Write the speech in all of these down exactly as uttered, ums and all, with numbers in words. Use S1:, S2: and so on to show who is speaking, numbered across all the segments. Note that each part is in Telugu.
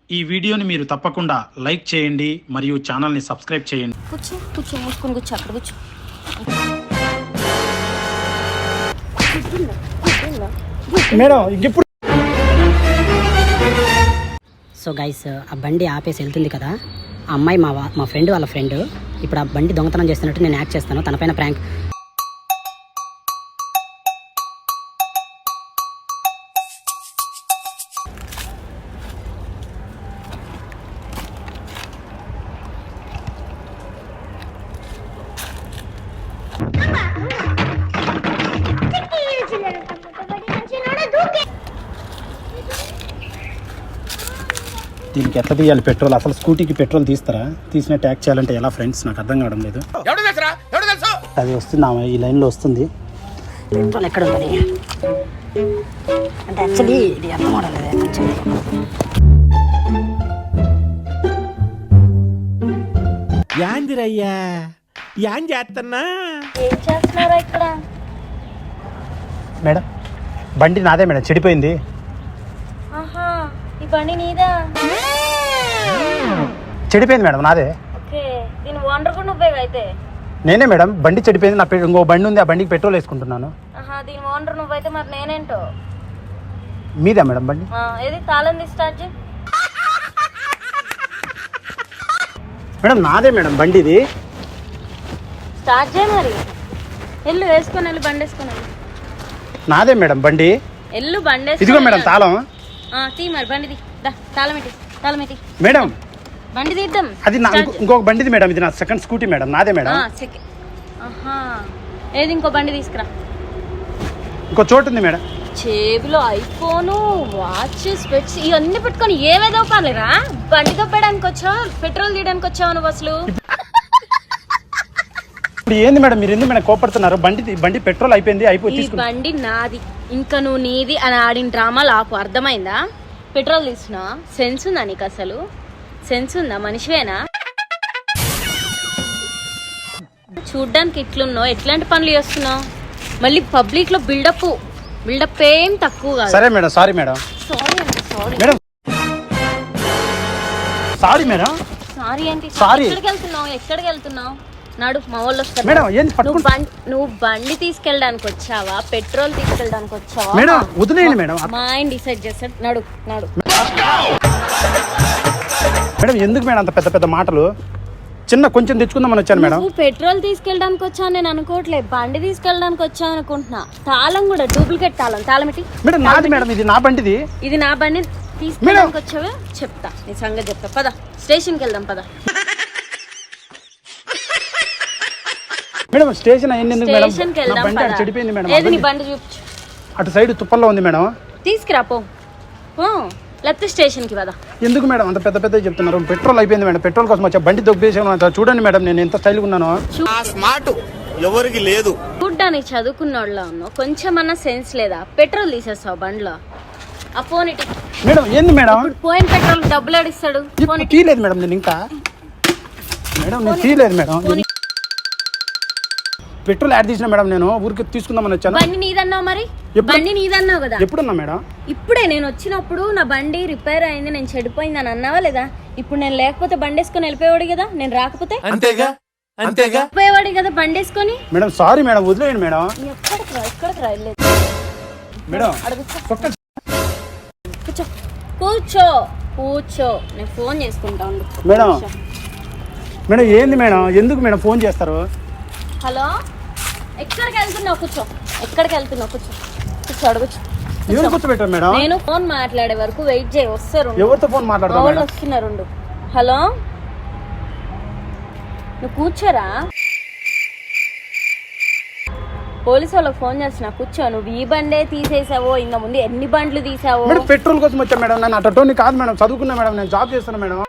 S1: ఈ వీడియోని మీరు తప్పకుండా లైక్ చేయండి మరియు ఛానల్ని సబ్స్క్రైబ్ చేయండి.
S2: కూర్చో కూర్చో మూసుకొని కూర్చో అక్కడ కూర్చో.
S1: మేడం ఇంకెప్పుడు.
S3: సో గైస్, ఆ బండి ఆపేసి వెళ్తుంది కదా, ఆ అమ్మాయి మా మా ఫ్రెండ్ వాళ్ళ ఫ్రెండ్. ఇప్పుడు ఆ బండి దొంగతనం చేస్తున్నట్టు నేను యాక్ట్ చేస్తాను, తన పైన ప్రాంక్.
S1: దీనికి ఎట్లా తీయాలి పెట్రోల్? అసలు స్కూటీకి పెట్రోల్ తీస్తారా? తీసిన ట్యాక్ చేయాలంటే ఎలా ఫ్రెండ్స్? నాకు అర్థం కావడం లేదు. అది వస్తుంది, ఈ లైన్లో వస్తుంది.
S3: పెట్రోల్ ఎక్కడ ఉంటుంది అంటే యాక్చువల్లీ ఇది అర్థం అవడం యాక్చువల్లీ.
S4: యాందిరయ్యా యాం చేస్తున్నా?
S2: ఏం చేస్తున్నారా ఇక్కడ?
S1: మేడం బండి నాదే మేడం, చెడిపోయింది.
S2: ఆహా, ఈ బండి నీదా?
S1: చెడిపోయింది మేడం, నాదే.
S2: ఓకే, దీని ఓనర్ కూడా నువ్వే అయితే?
S1: నేనే మేడం, బండి చెడిపోయింది. నా ఇంకో బండి ఉంది, ఆ బండికి పెట్రోల్ వేసుకుంటున్నాను.
S2: ఆహా, దీని ఓనర్ నువ్వైతే మరి నేనేంటో?
S1: మీదా మేడం బండి?
S2: ఏది తాళం తీసి స్టార్ట్ చేయి.
S1: మేడం నాదే మేడం బండి ఇది.
S2: స్టార్ట్ చేయి మరి. ఎల్లు వేసుకొని వెళ్ళి బండి వేసుకొని వెళ్ళి.
S1: నాదే మేడం బండి.
S2: ఎల్లు బండి
S1: ఇదిగో మేడం తాళం.
S2: తీ మరి బండిది. తాళం ఎట్టి, తాళం ఎట్టి.
S1: మేడం
S2: బండి తీద్దాం.
S1: అది నా ఇంకొక బండిది మేడం, ఇది నా సెకండ్ స్కూటీ మేడం, నాదే మేడం.
S2: ఆహా, ఏది ఇంకో బండి తీసుకురా.
S1: ఇంకో చోటు ఉంది మేడం.
S2: చేబులో ఐఫోను, వాచ్, స్పెట్స్ ఇవన్నీ పెట్టుకొని ఏమేదో పర్లేరా? బండి తప్పడానికి వచ్చావు, పెట్రోల్ తీయడానికి వచ్చావు నువ్వు అసలు?
S1: ఇప్పుడు ఏంది మేడం మీరు ఎందుకు మేడం కోపడుతున్నారు? బండి బండి పెట్రోల్ అయిపోయింది, అయిపోయి
S2: ఈ బండి నాది, ఇంకా నువ్వు నీది అని ఆడిన డ్రామాలు ఆపు, అర్థమైందా? పెట్రోల్ తీసినా సెన్స్ ఉందా నీకు? అసలు సెన్స్ ఉందా? మనిషివేనా? చూడ్డానికి ఇట్లున్నావు, ఎట్లాంటి పనులు చేస్తున్నావు? మళ్ళీ పబ్లిక్ లో బిల్డప్ బిల్డప్ ఏం తక్కువ కాదు.
S1: సరే మేడం, సారీ మేడం.
S2: సారీ అంటే sorry
S1: madam, sorry madam.
S2: Sorry ఏంటి?
S1: సారీ.
S2: ఎక్కడికి వెళ్తున్నావు? ఎక్కడికి వెళ్తున్నావు? నాడు మా వాళ్ళు వస్తారు.
S1: మేడం ఏంది
S2: నువ్వు బండి నువ్వు బండి తీసుకెళ్ళడానికి వచ్చావా, పెట్రోల్ తీసుకెళ్ళడానికి వచ్చావా?
S1: మేడం వదిలేయండి మేడం,
S2: మా ఆయన డిసైడ్ చేస్తాడు. నడు నడు.
S1: మేడం ఎందుకు మేడం అంత పెద్ద పెద్ద మాటలు? చిన్న కొంచెం తెచ్చుకుందామని వచ్చాను మేడం.
S2: నువ్వు పెట్రోల్ తీసుకెళ్ళడానికి వచ్చావు నేను అనుకోవట్లేదు, బండి తీసుకెళ్ళడానికి వచ్చావు అనుకుంటున్నా. తాళం కూడా డూప్లికేట్ తాళం. తాళం ఏంటి?
S1: మేడం నాది మేడం, ఇది నా బండిది.
S2: ఇది నా బండి తీసుకెళ్ళడానికి వచ్చావే? చెప్తా నీ సంగతి చెప్తా. పద స్టేషన్కి వెళ్దాం పద.
S1: మేడం స్టేషన్ అయ్యింది ఎందుకు మేడం?
S2: స్టేషన్కి వెళ్దాం
S1: బండి
S2: పద.
S1: చెడిపోయింది మేడం.
S2: ఏది నీ బండి చూపించు.
S1: అటు సైడ్ తుప్పల్లో ఉంది మేడం.
S2: తీసుకురా పో. లేకపోతే స్టేషన్కి పద.
S1: ఎందుకు మేడం అంత పెద్ద పెద్ద చెప్తున్నారు? పెట్రోల్ అయిపోయింది మేడం, పెట్రోల్ కోసం వచ్చా. బండి దొబ్బేసాను చూడండి మేడం, నేను ఎంత స్టైల్గా ఉన్నాను.
S4: స్మార్ట్ ఎవరికి లేదు.
S2: చూడ్డానికి చదువుకున్నోళ్ళ ఉన్నావు, కొంచెమన్నా సెన్స్ లేదా? పెట్రోల్ తీసేస్తావు బండిలో. ఆ ఫోన్ ఇటు.
S1: మేడం ఏంది మేడం?
S2: పోయిన పెట్రోల్ డబ్బులు అడిస్తాడు.
S1: తీయలేదు మేడం నేను ఇంకా. మేడం నేను తీయలేదు మేడం, పెట్రోల్ యాడ్ తీసిన మేడం. నేను ఊరికి తీసుకుందామని వచ్చాను.
S2: బండి నీదన్నావు మరి, బండి నీదన్నావు కదా.
S1: ఎప్పుడున్నా మేడం?
S2: ఇప్పుడే నేను వచ్చినప్పుడు నా బండి రిపేర్ అయింది, నేను చెడిపోయింది అని అన్నావా లేదా? ఇప్పుడు నేను లేకపోతే బండి వేసుకొని వెళ్ళిపోయేవాడు కదా, నేను రాకపోతే
S4: అంతేగా అంతేగా
S2: పోయేవాడు కదా బండి వేసుకొని.
S1: మేడం సారీ మేడం, వదిలేయండి మేడం.
S2: ఎక్కడికి రా, ఎక్కడికి రా, వెళ్ళలేదు
S1: మేడం.
S2: కూర్చో కూర్చో కూర్చో, నేను ఫోన్ చేసుకుంటా ఉండు.
S1: మేడం మేడం ఏంది మేడం, ఎందుకు మేడం ఫోన్ చేస్తారు?
S2: హలో, ఎక్కడికి వెళ్తున్నావు? కూర్చో. ఎక్కడికి వెళ్తున్నావు? కూర్చో కూర్చో, అడగచ్చు.
S1: ఎవరు కూర్చోబెట్టారు మేడం?
S2: నేను ఫోన్ మాట్లాడే వరకు వెయిట్ చేయి, వస్తారు.
S1: ఎవరితో ఫోన్ మాట్లాడతారు?
S2: వాళ్ళు వస్తున్నారు. హలో, నువ్వు కూర్చోరా. పోలీసు వాళ్ళకి ఫోన్ చేస్తున్నా, కూర్చో. నువ్వు ఈ బండే తీసేసావో, ఇంకా ముందు ఎన్ని బండ్లు తీసావో?
S1: మేడం పెట్రోల్ కోసం వచ్చా మేడం, నేను అటోని కాదు మేడం, చదువుకున్నా మేడం, నేను జాబ్ చేస్తున్నా మేడం.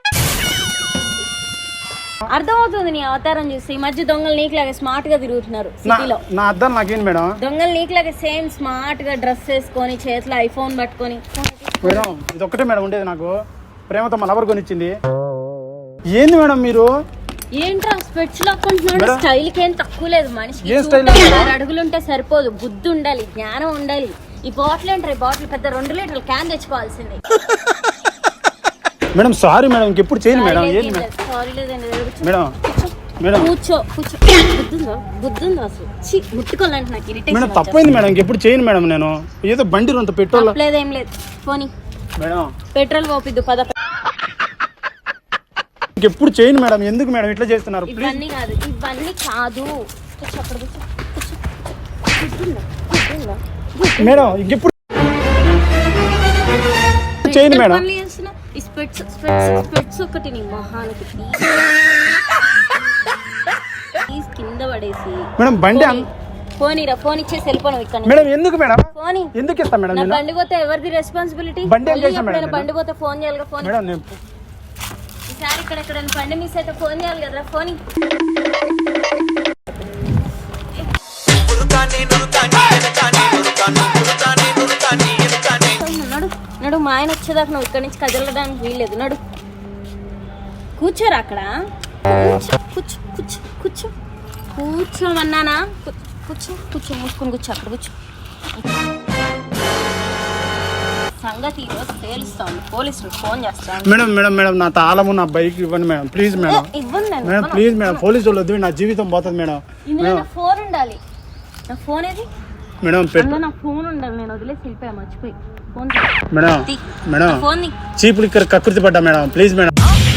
S2: అర్థమవుతుంది నీ అవతారం చూసి. ఈ మధ్య దొంగలు నీకులాగా స్మార్ట్ గా తిరుగుతున్నారు సిటీలో.
S1: నా అర్థం నాకేం మేడం?
S2: దొంగలు నీకులాగా సేమ్ స్మార్ట్ గా డ్రెస్ వేసుకొని, చేతిలో ఐఫోన్ పట్టుకొని.
S1: మేడం ఇది ఒక్కటే మేడం ఉండేది నాకు, ప్రేమతో మా లవర్ కొనిచ్చింది. ఏంది మేడం మీరు?
S2: ఏంట్రా స్పెట్స్ లాక్కుంటున్నాడు? స్టైల్ కి ఏం తక్కువ లేదు మనిషికి. అడుగులుంటే సరిపోదు, బుద్ధి ఉండాలి, జ్ఞానం ఉండాలి. ఈ బాటిల్ ఏంటారు? ఈ బాటిల్ పెద్ద రెండు లీటర్లు క్యాన్ తెచ్చుకోవాల్సింది.
S1: మేడం సారీ మేడం ఇంకెప్పుడు చేయను మేడం ఏంటి మేడం
S2: సారీ లేదండి
S1: మేడం మేడం
S2: కూర్చో కూర్చో బుద్ధుందో బుద్ధుందో అసలు ఛీ, ముట్టుకోవాలంటే నాకు
S1: మేడం
S2: ఇరిటేషన్
S1: తప్పైంది మేడం ఇంకెప్పుడు చేయను మేడం నేను ఏదో బండి రొంత పెట్రోల్
S2: లేదేం లేదు పోనీ
S1: మేడం
S2: పెట్రోల్ పోపిద్దు పద
S1: ఇంకెప్పుడు చేయను మేడం ఎందుకు మేడం ఇట్లా చేస్తున్నారు ప్లీజ్
S2: ఇవన్నీ కాదు ఇవన్నీ కాదు కూర్చో అక్కడ కూర్చో కూర్చో బుద్ధుందా బుద్ధుందా
S1: మేడం ఇంకెప్పుడు చేయను మేడం
S2: పనులు చేస్తున్నా ఈ స్పెట్స్ స్పెట్స్ స్పెట్స్ ఒకటి నీ మొహానికి తీసి కింద పడేసి
S1: మేడం బండి అం-
S2: పోనీరా ఫోన్ ఇచ్చేసి వెళ్ళిపోను ఇక్కడ నుంచి.
S1: మేడం ఎందుకు మేడం
S2: పోనీ
S1: ఎందుకు ఇస్తాం మేడం
S2: నా
S1: నేను
S2: బండి పోతే ఎవరిది రెస్పాన్సిబిలిటీ
S1: బండి ఏం చేశాం మేడం నేను?
S2: బండి పోతే ఫోన్ చేయాలి ఫోన్
S1: మేడం నేను
S2: ఈసారి ఇక్కడ ఎక్కడ బండి మిస్ అయితే ఫోన్ చేయాలి కదా ఫోన్ నడు నడు మా ఆయన వచ్చేదాకా నువ్వు ఇక్కడి నుంచి కదలడానికి వీల్లేదు నడు కూర్చోరా అక్కడ కూర్చో కూర్చో కూర్చో కూర్చో కూర్చోమన్నానా కూ- కూర్చో కూర్చో మూసుకొని కూర్చో అక్కడ కూర్చో సంగతి ఈరోజు తేలుస్తాను పోలీసులు ఫోన్ చేస్తాను
S1: మేడం మేడం మేడం నా తాళము నా బైక్ ఇవ్వండి మేడం ప్లీజ్ మేడం
S2: ఇవ్వండి నేను
S1: మేడం ప్లీజ్ మేడం పోలీసు వాళ్ళు వద్దు నా జీవితం పోతుంది మేడం
S2: ఇందులో నా ఫోన్ ఉండాలి నా ఫోన్ ఏది
S1: మేడం పెట్టు
S2: అందులో నా ఫోన్ ఉండాలి నేను వదిలేసి వెళ్ళిపోయా మర్చిపోయి ఫోన్
S1: మేడం
S2: తీ.
S1: మేడం
S2: నా ఫోన్ ని
S1: చీపులు ఇక్కడ కకృతి పడ్డా మేడం ప్లీజ్ మేడం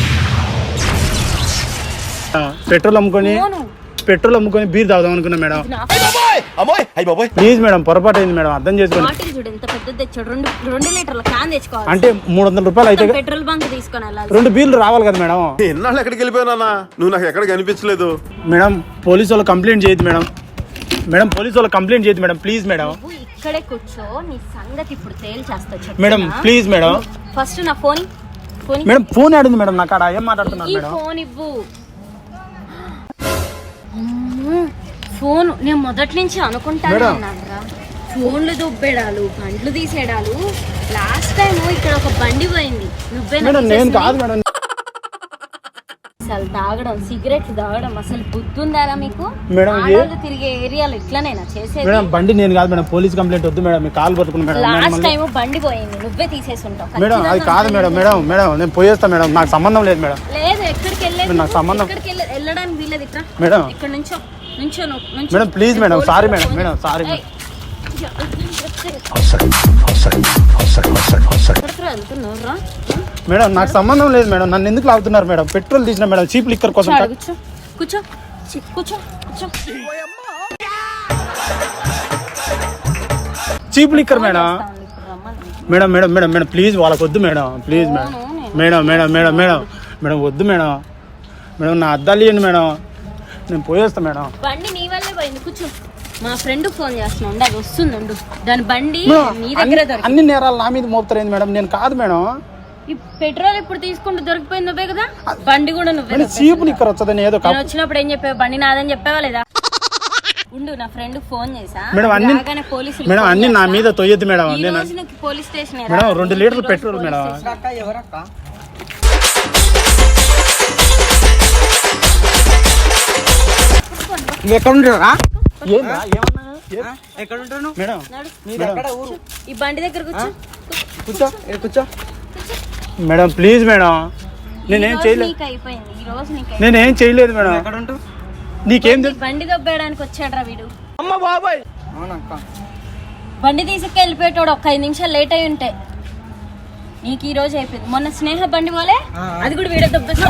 S1: పెట్రోల్ అమ్ముకొని
S2: ఫోను
S1: పెట్రోల్ అమ్ముకొని బీర్ తాగుదాం అనుకున్నా మేడం
S2: ఇది నా
S4: అమ్మోయ్ అయ్యి బాబోయ్
S1: ప్లీజ్ మేడం పొరపాటు అయింది మేడం అర్థం చేసుకోండి
S2: బాటిల్ చూడు ఎంత పెద్దది తెచ్చాడు రెండు రెండు లీటర్ల క్యాన్ తెచ్చుకోవాలి
S1: అంటే మూడు వందల రూపాయలు అయితే
S2: పెట్రోల్ బంక్ తీసుకొని వెళ్ళాలి
S1: రెండు బీర్లు రావాలి కదా మేడం
S4: ఎన్నాళ్ళు ఎక్కడికి వెళ్ళిపోయినా నువ్వు నాకు ఎక్కడ కనిపించలేదు
S1: మేడం పోలీసు వాళ్ళు కంప్లైంట్ చేయదు మేడం మేడం పోలీసు వాళ్ళు కంప్లైంట్ చేయదు మేడం ప్లీజ్ మేడం
S2: నువ్వు ఇక్కడే కూర్చో నీ సంగతి ఇప్పుడు తేల్చేస్తా
S1: మేడం ప్లీజ్ మేడం
S2: ఫస్ట్ నా ఫోన్ ఫోన్
S1: మేడం ఫోన్ ఆడింది మేడం నాకు ఆడ ఏం మాట్లాడుతున్నారు
S2: ఈ
S1: మేడం
S2: ఫోన్ ఇవ్వు అమ్మో, ఫోన్ నేను మొదటి నుంచి అనుకుంటాను
S1: మేడం.
S2: అన్నానురా ఫోన్లు దుబ్బేడాలు బండ్లు తీసేడాలు లాస్ట్ టైం ఇక్కడ ఒక బండి పోయింది నువ్వే
S1: మేడం నేను కాదు మేడం
S2: అసలు తాగడం సిగరెట్లు తాగడం అసలు బుద్ధుందారా మీకు
S1: మేడం, ఏ-
S2: ఆడవాళ్ళు తిరిగే ఏరియాలో ఇట్లనేనా చేసేది
S1: మేడం బండి నేను కాదు మేడం పోలీస్ కంప్లైంట్ వద్దు మేడం మీ కాల్ పట్టుకుని మేడం నేను
S2: లాస్ట్
S1: మళ్ళీ-
S2: టైం బండి పోయింది నువ్వే తీసేసి ఉంటావు
S1: మేడం అది
S2: ఖచ్చితంగా
S1: కాదు మేడం మేడం మేడం నేను పోయేస్తా మేడం నాకు సంబంధం లేదు మేడం
S2: లేదు ఎక్కడికి వెళ్ళలేదు
S1: నాకు సంబంధం-
S2: ఎక్కడికి వెళ్ళ- వెళ్ళడానికి వీలేదు ఇక్కడ
S1: మేడం.
S2: ఇక్కడ నుంచో నుంచో నువ్వు నుంచో.
S1: మేడం, ప్లీజ్ మేడం,
S2: పోలీసులు
S1: సారీ మేడం,
S2: ఫోన్
S1: మేడం,
S2: చేస్తా.
S1: సారీ
S2: ఏయ్, ఎక్కడికి వెళ్తున్నావురా?
S1: మేడం నాకు సంబంధం లేదు మేడం నన్ను ఎందుకు లాగుతున్నారు మేడం పెట్రోల్ తీసిన మేడం చీప్ లిక్కర్ కోసం
S2: కూర్చో, కూర్చో కూర్చో చి- కూర్చో కూర్చో
S1: చీప్ లిక్కర్ మేడం
S2: వస్తాను ఇప్పుడు రమ్మని.
S1: Madam madam madam madam please వాళ్ళకి వద్దు మేడం ప్లీజ్ మేడం
S2: అవును, నేను-
S1: madam madam madam madam madam వద్దు మేడం మేడం నా అద్దాలు ఇవ్వండి మేడం నేను పోయేస్తా మేడం
S2: బండి నీ వల్లే పోయింది కూర్చో మా ఫ్రెండ్ ఫోన్ చేస్తున్నా ఉండు, అది వస్తుంది ఉండు. దాని బండి
S1: మేడం,
S2: నీ దగ్గరే
S1: అన్ని-
S2: దొరికి
S1: అన్ని నేరాలు నా మీద మోపుతారేంది మేడం నేను కాదు మేడం
S2: ఈ పెట్రోల్ ఇప్పుడు తీసుకుంటూ దొరికిపోయింది నువ్వే కదా బండి కూడా నువ్వే
S1: మేడం
S2: దొబ్బేసావు.
S1: చీప్ లిక్కర్ వచ్చదని ఏదో
S2: నేను
S1: కప్
S2: వచ్చినప్పుడు ఏం చెప్పావు బండి నాదని చెప్పావా లేదా ఉండు నా ఫ్రెండ్ ఫోన్ చేసా
S1: మేడం, అన్ని-
S2: రాగానే పోలీసులు
S1: మేడం
S2: ఫోన్
S1: అన్ని నా
S2: చేస్తా.
S1: మీద తొయ్యద్దు మేడం
S2: ఈ
S1: నేను
S2: రోజు నీకు పోలీస్ స్టేషన్
S1: మేడం రెండు లీటర్లు పెట్రోల్ మేడం
S3: నువ్వు ఎక్కడ ఉంటారా
S1: ఏందా? ఏమన్నా? ఏ-
S3: ఎక్కడ ఉంటాను
S1: మేడం
S3: మీరు ఎక్కడ ఊరు
S2: ఈ బండి దగ్గర కూర్చో
S3: కూర్చో ఇక్కడ కూర్చో
S1: మేడం ప్లీజ్ మేడం
S2: ఈ
S1: నేనేం
S2: రోజు
S1: చేయలేదు
S2: నీకు అయిపోయింది ఈ రోజు నీకు అయిపోయింది.
S1: నేనేం చేయలేదు మేడం
S3: ఎక్కడ ఉంటావు
S1: నీకేం
S2: ఈ
S1: తెలుసు
S2: బండి దొబ్బేయడానికి వచ్చాడ్రా వీడు
S4: అమ్మ బాబాయ్
S3: అవునక్క
S2: బండి తీసుకు వెళ్ళిపోయేటోడు ఒక్క ఐదు నిమిషాలు లేట్ అయి ఉంటే నీకు ఈ రోజు అయిపోయింది మొన్న స్నేహ బండి పోలే
S3: ఆ, ఆ.
S2: అది కూడా వీడే దొబ్బేసా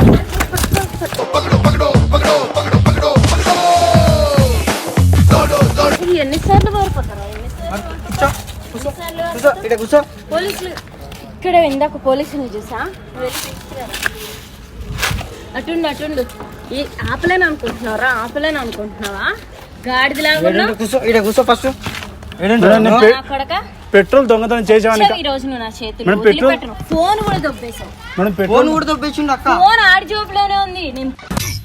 S2: ఇది ఎన్నిసార్లు పారిపోతారా ఎన్నిసార్లు
S3: కూర్చో
S2: ఎన్నిసార్లు
S3: కూర్చో ఇక్కడ కూర్చో
S2: పోలీసులు ఇక్కడ ఇందాక పోలీసులు చూసా నువ్వు వెళ్ళి తీసుకురా. అటుండు అటుండు ఈ ఆపలేను అనుకుంటున్నారా ఆపలేను అనుకుంటున్నావా గాడిదిలాగా
S3: ఇక్కడ
S2: ఉన్నావు
S3: కూర్చో ఇక్కడ కూర్చో ఫస్ట్
S1: మేడం, నేను పె-
S2: నా కొడక
S1: పెట్రోల్ దొంగతనం చేసామని
S2: వచ్చావు ఈ రోజు నువ్వు నా చేతులు
S1: మేడం, పెట్రోల్-
S2: వదిలిపెట్టను ఫోన్ కూడా దొబ్బేశావు
S1: మేడం
S3: ఫోన్
S1: పెట్రోల్
S3: కూడా దొబ్బేసిండు అక్క
S2: ఫోన్ ఆడి జోబులోనే ఉంది నేను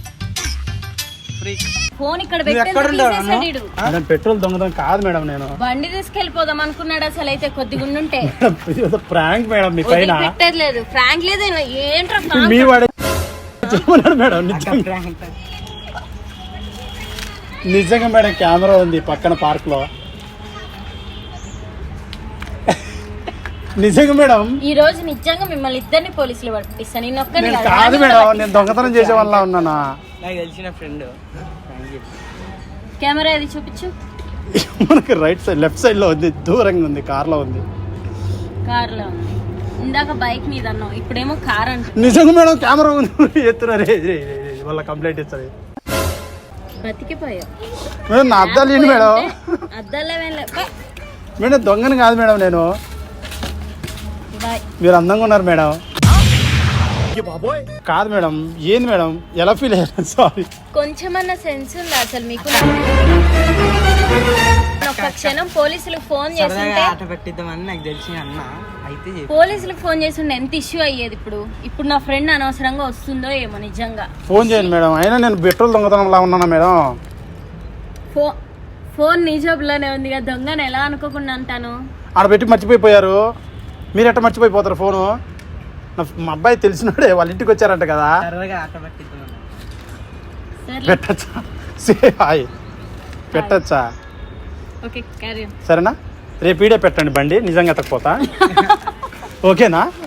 S2: ఫోన్ ఇక్కడ
S3: నువ్వు ఎక్కడ
S2: పెట్టేసి
S3: ఉండవు
S2: తీసేసాడు ఈడు.
S1: మేడం పెట్రోల్ దొంగతనం కాదు మేడం నేను
S2: బండి తీసుకెళ్ళిపోదాం అనుకున్నాడు అసలు అయితే కొద్దిగా ఉండుంటే
S1: ప్రాంక్ మేడం మీ పైన
S2: పెట్టేది లేదు ఫ్రాంక్ లేదు ఏంట్రా
S1: మీ
S2: ఫ్రాంక్
S1: వాడే చెప్పన్నాడు మేడం నిజంగా నిజంగా మేడం కెమెరా ఉంది పక్కన పార్క్ లో నిజంగా మేడం
S2: ఈ రోజు నిజంగా మిమ్మల్ని ఇద్దరిని పోలీసులు పట్టిస్తాను నేను ఒక్కని
S1: నేను కాదు మేడం నేను దొంగతనం చేసే వల్ల ఉన్నానా
S5: నాకు తెలిసిన ఫ్రెండ్
S2: కెమెరా అది చూపించు
S1: మనకి రైట్ సైడ్ లెఫ్ట్ సైడ్ లో ఉంది దూరంగా ఉంది కార్ లో ఉంది
S2: కార్ లో ఉంది ఇందాక బైక్ మీద అన్నావు ఇప్పుడేమో కార్ అంటు
S1: నిజంగా మేడం కెమెరా ఉంది ఎత్తున్నారు వాళ్ళ కంప్లైంట్ ఇస్తారు
S2: బతికిపోయావు
S1: మేడం నా అద్దాలు ఏంటి మేడం
S2: అద్దాలే
S1: మేడం దొంగని కాదు మేడం నేను
S2: బాయ్
S1: మీరు అందంగా ఉన్నారు మేడం కాదు మేడం ఏంది మేడం ఎలా ఫీల్ అయ్యారు సారీ
S2: కొంచెమన్నా సెన్స్ ఉందా అసలు మీకు ఒక్క క్షణం పోలీసులకు ఫోన్ చేస్తుంటే
S5: ఆట పెట్టిద్దామని నాకు తెలిసిన అన్న అయితే చెప్పు.
S2: పోలీసులకు ఫోన్ చేస్తుంటే ఎంత ఇష్యూ అయ్యేది ఇప్పుడు ఇప్పుడు నా ఫ్రెండ్ అనవసరంగా వస్తుందో ఏమో నిజంగా
S1: ఫోన్ చేయండి మేడం అయినా నేను పెట్రోల్ దొంగతనంలా ఉన్నానా మేడం
S2: ఫో ఫోన్ నీ జోబులోనే ఉంది కదా దొంగని ఎలా అనుకోకుండా అంటాను
S1: ఆడ పెట్టి మర్చిపోయిపోయారు మీరు ఎట్ట మర్చిపోయిపోతారు ఫోను నా మా అబ్బాయి తెలిసినాడే వాళ్ళ ఇంటికి వచ్చారంట కదా
S5: సరదాగా ఆట పెట్టిద్దామని
S2: సరే
S1: పెట్టచ్చా సే హాయ్ పెట్టచ్చా
S2: ఓకే క్యారీ
S1: సరేనా రేపు ఈడే పెట్టండి బండి నిజంగా ఎత్తకపోతా ఓకేనా